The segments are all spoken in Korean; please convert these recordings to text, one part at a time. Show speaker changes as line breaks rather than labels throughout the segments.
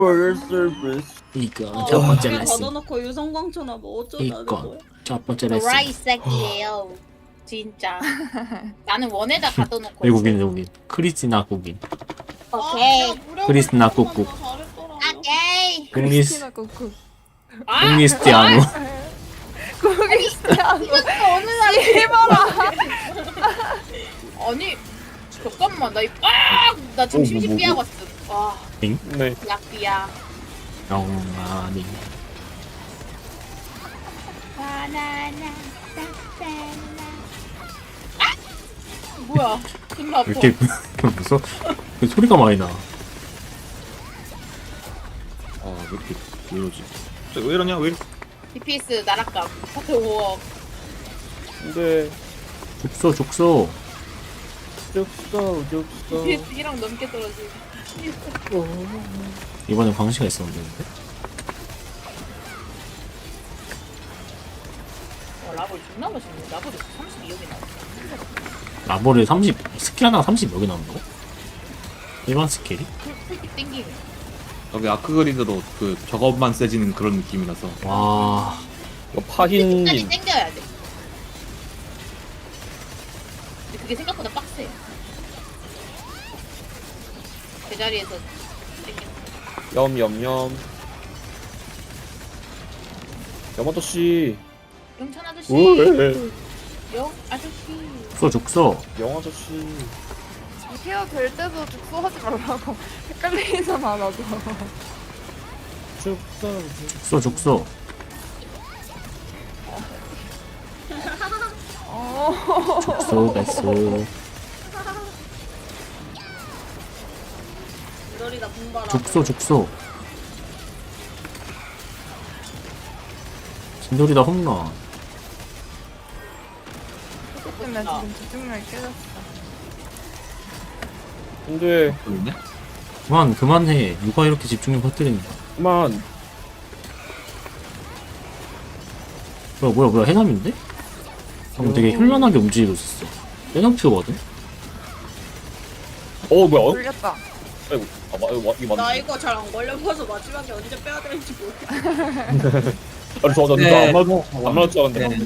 For service.
이거 첫 번째
그냥
레슨.
걷어놓고 유성광초나 뭐 어쩌자는
이거
거야.
첫 번째 레슨.
도라이 새끼예요. 진짜. 나는 원에다 가둬놓고.
외국인. 크리스티나 국인.
오케이.
크리스나 꾹꾹.
오케이.
크리스
꾹꾹.
크리스티아노.
크리스티아노.
이것도 어느 날
해봐라.
아니 잠깐만 나 지금 심심 삐하고 왔어. 와
응?
네.
약비야.
영아니.
바나나 딱딱나. 뭐야? 존나 아파.
왜 이렇게 무서워? 그 소리가 많이 나.
아, 왜 이렇게 왜 이러지? 왜 이러냐? 왜 이렇게?
DPS 나락감. 사태 5억.
근데
죽소.
쭉
DPS 1억 넘게 떨어지.
이번엔 광시가 있었는데.
라볼 존나 멋있네. 라볼이 32억이 나왔어.
라보를 30 스킬 하나가 30 여기 나온다고? 일반 스킬이?
풀픽 땡기네.
여기 아크그리드로 그 저것만 세지는 그런 느낌이라서.
와.
이거 파흰
끝까지 땡겨야 돼. 근데 그게 생각보다 빡세. 제자리에서 땡기는.
염. 염 아저씨.
영찬 아저씨.
왜?
영 아저씨.
죽소.
영 아저씨.
케어 될 때도 죽소하지 말라고. 헷갈리잖아 나도.
죽소. 죽소 베스.
너리다 분발하.
죽소. 진돌이다 홈런.
그것 때문에 지금 집중력이 깨졌어.
근데
그러네? 그만해. 누가 이렇게 집중력 퍼뜨린다.
그만.
뭐야 해남인데? 방금 되게 현란하게 움직이고 있었어. 해남표거든?
뭐야?
돌렸다.
아이고. 이거
나
맞네.
이거 잘 안 걸려봐서 마지막에 언제 빼야 될지 모르겠어.
아니 저
네.
안 맞을 줄 알았는데.
네.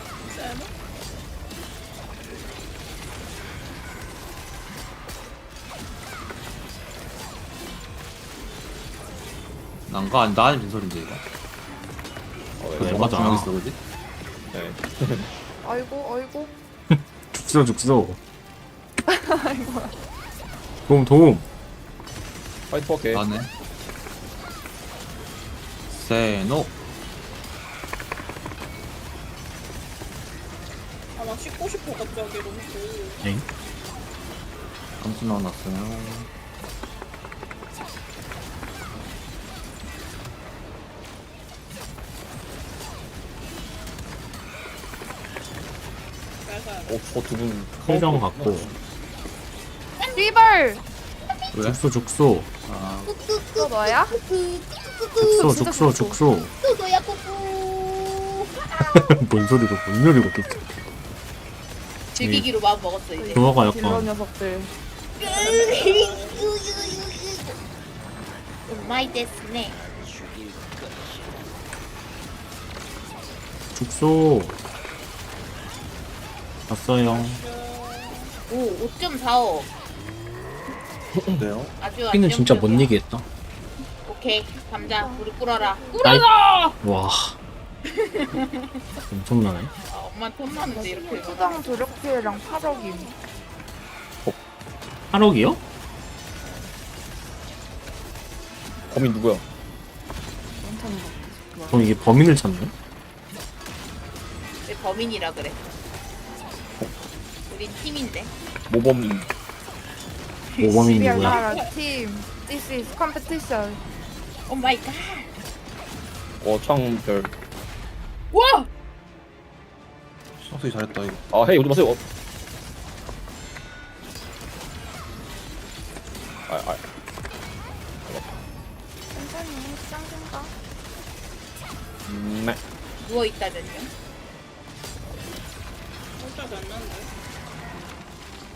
난가 나 아닌 빈소리인데 이거.
그래,
뭐가
맞아.
중요했어 그지? 네.
아이고.
죽소. 도움.
파이트 할게.
나네. 세노.
아나 씻고 싶어 갑자기 너무 더워.
엥?
감수 넣어놨어요.
그래서
저두분
회장 갖고.
씨발.
왜?
죽소.
아,
또 너야?
죽소.
그거야 뿌뿌.
뭔 소리고 또.
즐기기로 마음 먹었어 이제.
그거가
딜러
약간
녀석들.
마이 데스네.
죽소. 왔어요.
오 5.45.
네요.
아주
피는 진짜
안정적이야.
못 얘기했다.
오케이 감자 우리 꿇어라.
나이- 와. 엄청나네.
엄마 턴나는데 이렇게.
수당 조력 피해량 8억임.
8억이요?
범인 누구야?
괜찮은 거.
그럼 이게 범인을 찾네?
왜 범인이라 그래? 우린 팀인데.
모범인.
모범이
We are
누구야?
not a team. This is competition.
오 마이 갓.
창별.
와!
소리 잘했다 이거. 헤이 오지 마세요.
천천히 시장 생각.
네.
누워있다면요?
혼자 됐는데.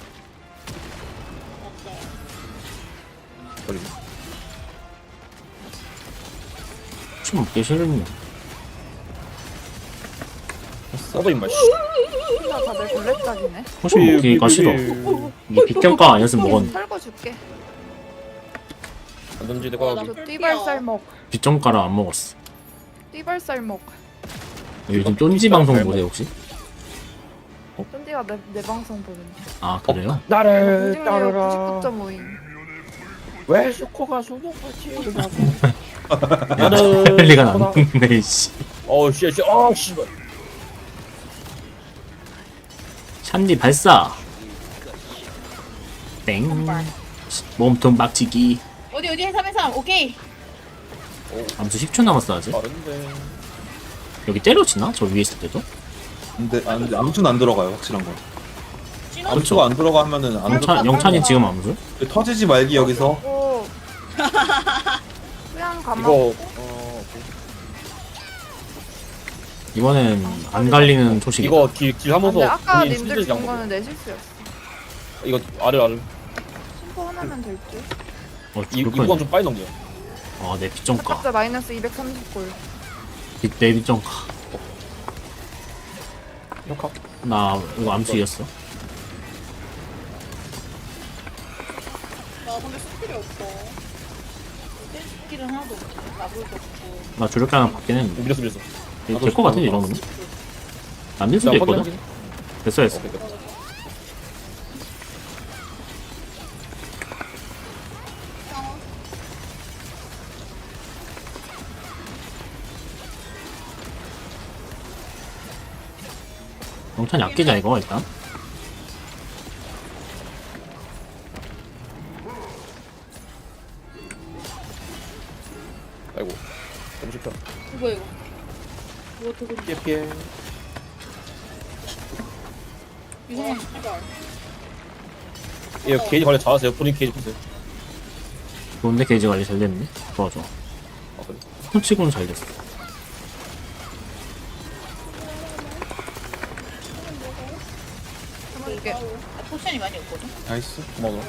없어.
버리고.
치 먹기 싫네.
써도 임마 씨.
나 다들 골렛짝이네.
혹시 먹기가 싫어. 이게 빗경가 아니었으면 먹었는데.
털고 줄게.
안 던지 내가
나
저
풀피야.
띠발살 먹.
빗경가를 안 먹었어.
띠발살 먹.
요즘 쫀지 방송 보세요 혹시?
쫀디가 내 방송 보는데.
아 그래요?
나를
공중률
따르라.
99.5인.
왜 슈코가 소녀같이 일어나고 나는
헬리가 나는데 씨.
어우 씨 어 씨발
샨디 발사. 땡. 몸통 박치기.
어디 해삼 오케이.
암수 10초 남았어 아직.
빠른데
여기 때려치나? 저 위에 있을 때도?
근데 아무튼 안 들어가요 확실한 건.
진호
암수가 안 들어가 하면은 안 들어.
영찬이 지금 암수?
터지지 말기 여기서.
오. 그냥 가만.
이거
이번엔 안 갈리는 초식.
이거 길
근데
하면서
아까
본인
님들
실드
준
잡고
거는 내 실수였어.
이거 아래
심포 하나면 될 듯.
이
그렇구나.
구간 좀 빨리 넘겨
아, 내 빗정가.
각자 마이너스 230골.
내 빗정가.
역학
나 이거 암수 이겼어.
나 근데 스킬이 없어.
스킬은 하나도 없고 나불도 없고.
나 주력기 하나 받긴 했는데.
밀렸어
될것 같은데 이 정도면? 안 될 수도 있거든. 됐어 됐어. 영찬이 아끼자 이거 일단.
아이고 너무 쉽다
이거 이거 되게
피해
이상한
씨발.
이거 게이지 관리 잘하세요 본인 게이지 보세요
좋은데 게이지 관리 잘 됐네. 좋아 좋아.
아 그래
손치고는 잘 됐어.
이게
포션이 많이 없거든.
나이스.
고마워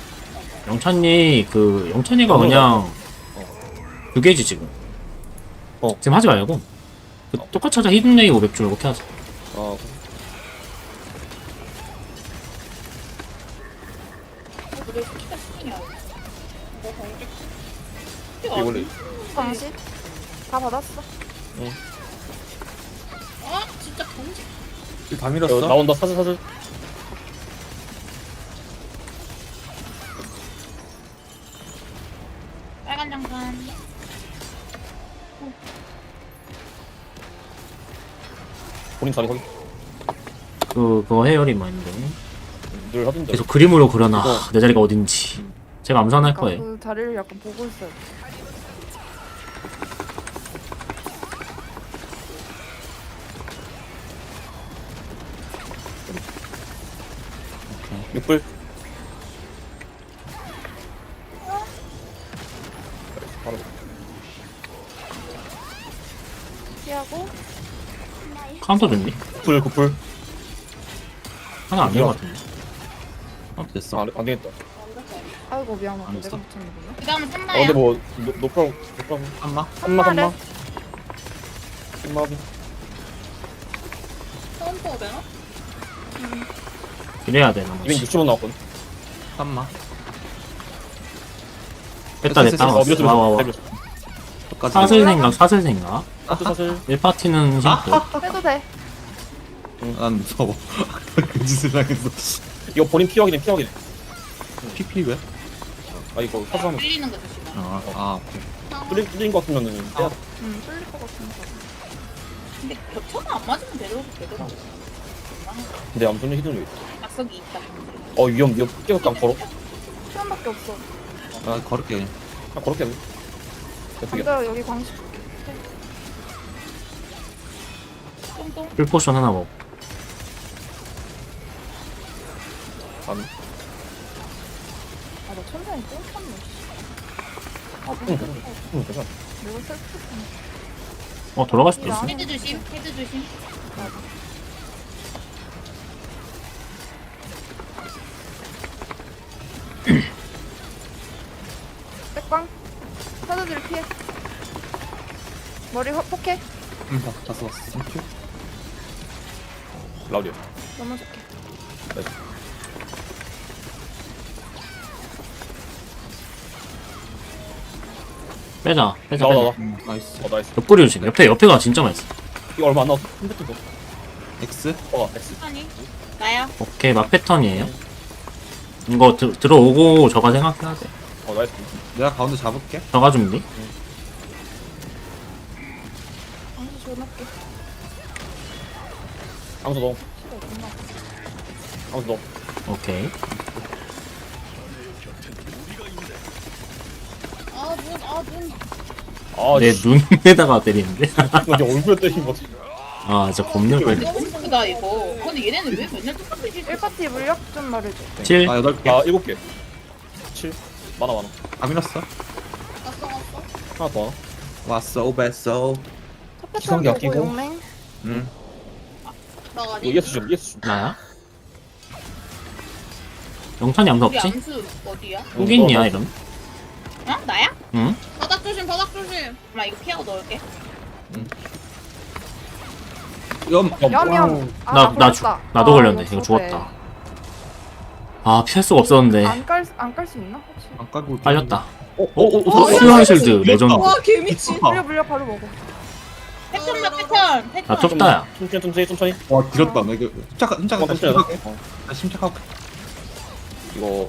영찬이가 그냥 두 개지 지금. 지금 하지 말고 똑같이 하자. 히든레이 500줄 이렇게 하자.
아
왜 스키가 스키냐?
이게 원래
방식 다 받았어.
아 진짜 경직.
다
이거
밀었어.
나온다 사슬
빨간 장판.
본인 자리 확인
그거 해열이 많은데.
늘 하던데
계속 그림으로 그려놔.
이거.
내 자리가 어딘지. 제가 암수 하나 할 거예요.
그 자리를 약간 보고 있어요.
육불 바로
피하고
카운터 됐니?
구풀
하나 안 된 것 같은데.
됐어.
안 되겠다
아이고 미안하다.
안
내가
했어?
붙였는구나.
그 다음은
아
산마야.
근데 뭐 노프라고
한마.
한마
처음 보고 되나?
이래야 돼 나머지.
260원 나왔거든
한마.
뺐다 냈다.
됐어,
밀었어
와와와.
밀었어
끝까지.
사슬 생각.
사슬
1파티는 힘도.
해도 돼.
난 무서워. 그 짓을 당했어.
이거 본인 피 확인해
PP 왜?
아 이거 사슬하면
밀리는 거 조심해.
아 오케이.
뚫린 거 같으면은 빼야 돼
뚫릴 것 같은데.
근데 겹쳐가 안 맞으면 되더라고.
근데 암소는 히든 왜 있다
낙석이 있다.
위험 깨끗 안 걸어
시간밖에 없어.
나 걸을게 그냥.
그냥 걸었게 해
근데 여기 광식
똥똥.
풀포션 하나 먹고.
안
아나 천장이 똥쳤네.
괜찮아
내가 슬프네.
돌아갈 수도 있어.
헤드 조심. 헤드 조심.
백광. 사도들 피해. 머리 포켓
다 써봤어. 땡큐.
라우디오.
넘어줄게.
빼자 빼자
나와
빼자.
나와.
나이스.
나이스.
옆구리 조심. 옆에가 진짜 맛있어.
이거 얼마 안 나왔어. 컴퓨터 거.
X.
X.
아니 나야.
오케이 막 패턴이에요. 이거 들어오고 저가 생각해야 돼.
나이스.
내가 가운데 잡을게.
저가 준비.
암수 줘놓을게.
항수 넣어. 항수 넣어.
오케이. 내 눈에다가 때리는데.
이거 이제 얼굴에 때린 거지.
아 진짜 겁나 빨리.
너무 예쁘다 이거. 근데 얘네는 왜 맨날 똑같이
1파티 물력 좀 말해줘.
7.
아 8개.
7개. 7. 많아.
다 밀었어.
하나 더.
왔어 오베소.
첫 패턴
기성기
보고
아끼고.
용맹.
응.
나가
이거 예스 좀. 예스 좀.
나야? 영탄이 아무도
우리
없지?
암수 어디야?
호긴이야 이런.
어? 나야?
응?
바닥 조심 바닥 조심.
엄마 이거 피하고 넣을게.
염.
염염.
나도
아,
걸렸네. 이거 죽었다. 아 피할 수가 없었는데.
안깔 수 있나 혹시?
안 깔고.
빨렸다.
오.
수영 실드 레전드.
와 개미친.
물려 바로 먹어.
패턴만 패턴.
아 좁다야.
천천히.
와 길었다. 나 이거 침착하게.
천천히.
나 침착하게.
이거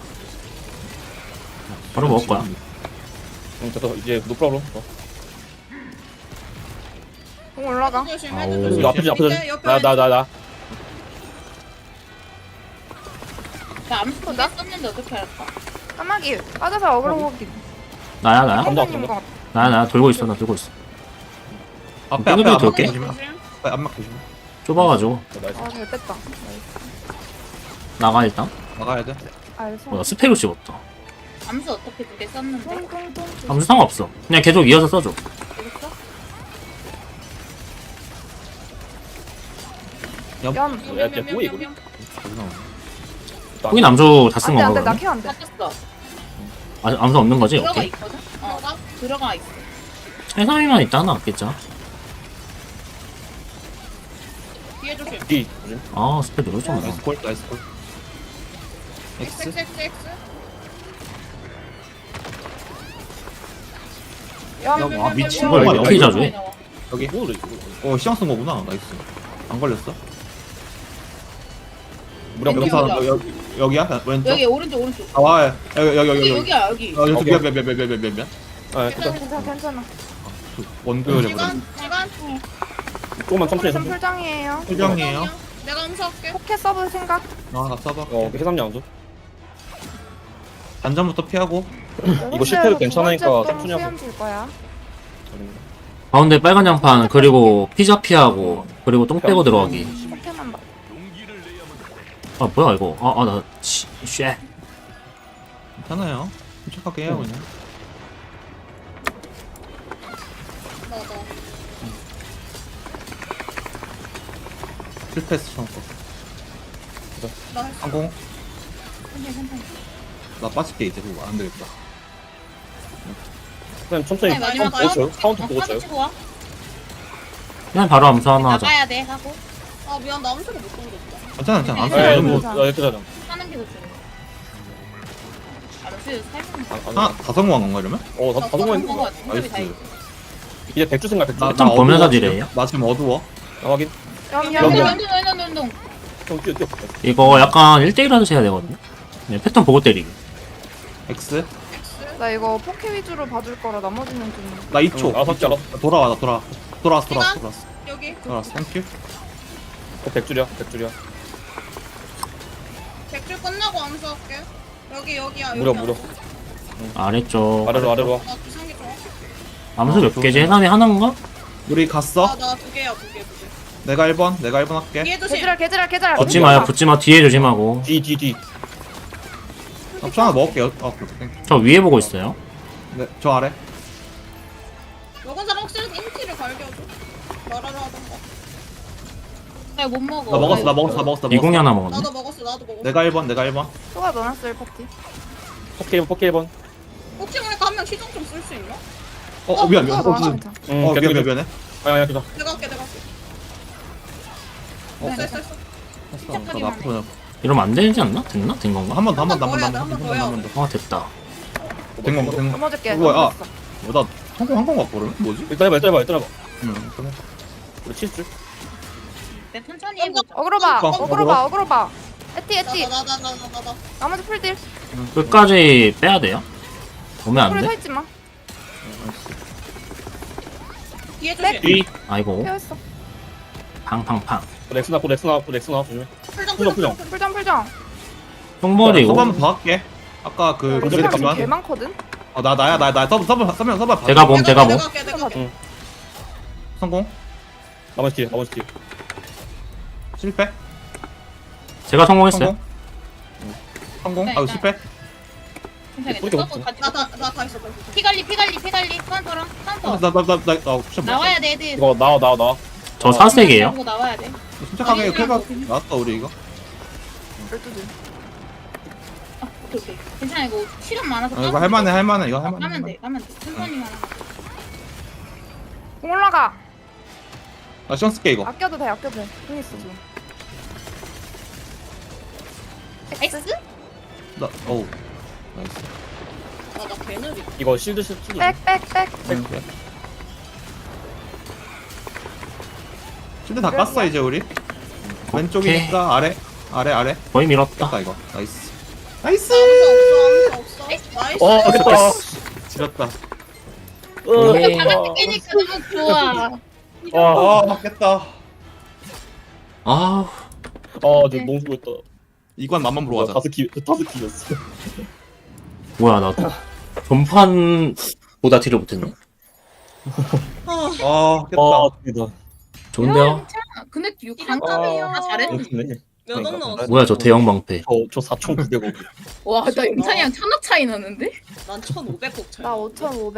바로 먹을 거야.
됐어. 이제 노 프로블럼.
공 올라가.
조심
아오.
헤드 조심.
이거 앞에
밑에, 옆에
나.
나 암수 나 썼는데 어떻게 할까?
까마귀 빠져서 어그로 보기.
나야.
선생님 것 같아.
나 돌고 있어. 나 돌고 있어.
앞에
땡겨도
앞에
돌게.
조심.
안막 조심.
좁아가지고
나이스.
아잘 뺐다.
나가 일단.
나가야 돼.
알겠어.
나 스펙을 씹었다.
암수 어떻게 두 개 썼는데?
똥똥똥.
아무 상관없어. 그냥 계속 이어서 써줘.
여기서?
염.
야, 뭐야, 이거?
호긴 암수 다 쓴
안돼
건가
안돼 나
그러면?
케어 안돼.
다 썼어.
암수 없는 거지?
들어가
오케이.
있거든? 들어가 있어.
해삼이만 있다 하나 없겠죠?
뒤에 조심.
D. 조심.
아 스펙 누를 줄 몰라.
나이스 콜. 나이스 콜. X.
XX.
염.
아 미친
이걸
거
어떻게 자주 해?
여기.
뭐래, 이거.
시장 쓴 거구나. 나이스. 안 걸렸어?
무력
여기,
여기서
여기.
여기야? 왼쪽?
여기 오른쪽.
아 와. 여기.
여기야 여기.
여기
오케이.
몇.
아,
괜찮아.
원고열에
시간.
조금만 천천히.
좀 풀장이에요.
표정이에요.
내가 암수할게.
포켓 서브 생각.
나 써봐.
해삼 양수.
단전부터 피하고.
이거 실패도 괜찮으니까 천천히 하고.
수염 줄 거야.
가운데 빨간 양판 그리고 피자 피하고 그리고 똥 빼고 들어가기.
포켓만 봐.
아 뭐야 이거? 아나 쉣.
괜찮아요. 침착하게 해요 그냥.
맞아.
실패했어 처음 거.
나 했어.
항공. 나 빠질게 이제 그거 안 되겠다.
그냥 천천히.
네, 많이
카운트
나가요?
보고 쳐요. 카운트 보고 쳐요.
치고 와.
그냥 바로 암수 하나 하자.
나가야 돼 하고
아 미안 나 암수를 못 던졌다.
괜찮아. 안
예,
써.
뭐,
괜찮아.
이렇게 자자.
하는 게 더 좋은 거. 암수 살면
하나 다 성공한 건가 이러면?
다 성공했는 거.
나이스.
이제 백주 생각, 백주.
일단
어두워,
보면서
지금.
딜해요.
나 지금 어두워.
확인.
염.
운동.
형, 뛰어.
이거 약간 1대1 하듯이 해야 되거든요. 네, 패턴 보고 때리기.
X.
나 이거 포켓 위주로 봐줄 거라 나머지는 좀.
나 2초.
알았어, 알았어.
돌아와 나 돌아왔어.
여기.
돌아왔어. 땡큐.
백줄이야.
100줄 끝나고 암수할게. 여기야.
무려.
아래쪽.
아래로.
나 기상기 좀.
암수 몇 개지? 해삼이 하나인가?
우리 갔어?
나 두 개야 두 개.
내가 1번 할게.
뒤에 조심.
개지랄.
붙지 마요. 붙지 마. 뒤에 조심하고.
D.
나 하나 먹을게요. 오케이. 땡큐.
저 위에 보고 있어요.
네, 저 아래.
먹은 사람 혹시 인티를 갈겨줘. 말하러 하던가.
나못 먹어.
나 먹었어.
이공이 하나 먹었네.
나도 먹었어.
내가 1번.
소가 넣어놨어 1파티.
포켓 1번.
혹시 우리 가면 시정 좀 쓸 수 있나?
미안 미안.
괜찮아, 괜찮아.
미안해.
아야 그다.
내가 할게.
네.
됐어.
나 나쁘구나.
이러면 안 되지 않나? 됐나? 된 건가?
한 번 더.
한번 더 해야 돼.
아 됐다.
된 건가?
넘어질게.
뭐야, 아.
넘어졌어.
나 성공한 건가 그러면? 뭐지?
일단 해봐.
응. 그래.
우리 칠줄.
네, 천천히 해보자.
어그로 봐.
어,
어그로 봐. 에티.
나.
나머지 풀딜.
끝까지 빼야 돼요. 오면 안
풀에 서
돼?
있지 마.
뒤에 조심.
뒤. 아이고.
태웠어.
팡팡팡.
렉스 나고 조심해.
풀정.
풀정.
똥머리.
서브 한번 더 할게. 아까 그
먼저
풀정
그랬지만.
개 많거든.
나 서브 봐.
제가 봄.
내가 할게.
성공.
나머지 뒤에.
실패.
제가 성공했어요.
성공.
네,
아유
네.
실패.
뿌리게
괜찮아.
없어.
나다 있어.
피갈리. 카운터랑 카운터.
나 옵션.
나와야 돼, 애들.
이거 나와.
저 사색이에요.
하고 나와야 돼.
침착하게 클가 나왔다 우리 이거.
12줄.
오케이. 괜찮아, 이거 시간 많아서.
이거 할만해. 이거
가면
할만해.
돼. 천천히만.
공 올라가.
나 시간 쓸게 이거.
아껴도 돼. 공 있어 지금.
X?
나 어우. 나이스.
나 개느리.
이거 실드.
백.
실드 다 깠어 이제 우리. 왼쪽이니까 아래.
거의 밀었다.
됐다 이거. 나이스.
없어. 나이스.
됐다.
지렸다.
네.
바닥에 끼니까 너무 좋아.
맞겠다.
아
저 너무 수고했다.
이관 맘만 보러 가자.
다섯 키였어.
뭐야 나 전판보다 딜을 못했네.
깼다.
대단.
좋은데요?
괜찮아. 근데 이거 강감이에요. 아, 잘했네.
몇억 넣었어?
뭐야 저 대형 방패.
저 4,900원.
와, 나 영찬이랑 천억 차이 나는데?
난 1,500억 차이.
나 5,500.